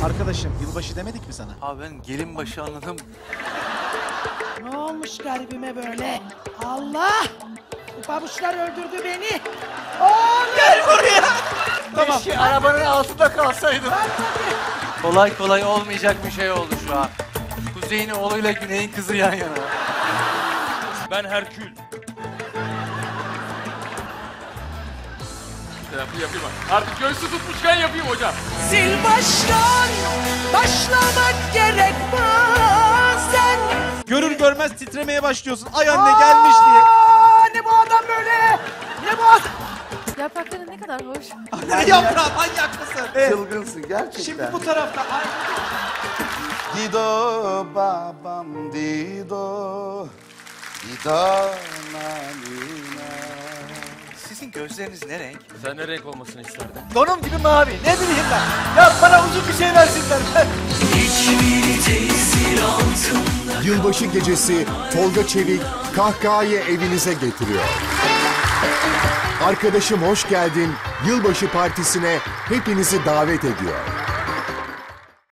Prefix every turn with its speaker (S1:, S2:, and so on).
S1: Arkadaşım yılbaşı demedik mi sana?
S2: Abi ben gelin başı anladım.
S3: Ne olmuş garibime böyle? Allah! Bu pabuçlar öldürdü beni. Oğlum!
S2: Gel buraya.
S1: Tamam.
S2: Keşke arabanın altında kalsaydım. Kolay kolay olmayacak bir şey oldu şu an. Kuzey'in oğluyla Güney'in kızı yan yana.
S4: Ben Herkül. Yapayım. Artık göğsü tutmuşken yapayım hocam.
S3: Sil baştan başlamak gerek bazen.
S1: Görür görmez titremeye başlıyorsun. Ay anne gelmiş diye.
S3: Ne bu adam böyle? Ne bu adam?
S5: Yaprakları ne kadar hoş.
S1: Ne yaprağı manyak mısın?
S6: Çılgınsın gerçekten.
S1: Şimdi bu tarafta. Ay.
S6: Dido babam Dido. Dido nanina.
S2: Sizin gözleriniz ne renk?
S4: Sen ne renk olmasını isterdin?
S2: Donum gibi mavi. Ne bileyim ben. Ya bana uzun bir şey versinler.
S7: Yılbaşı gecesi Tolga Çevik kahkahayı evinize getiriyor. Arkadaşım hoş geldin. Yılbaşı partisine hepinizi davet ediyor.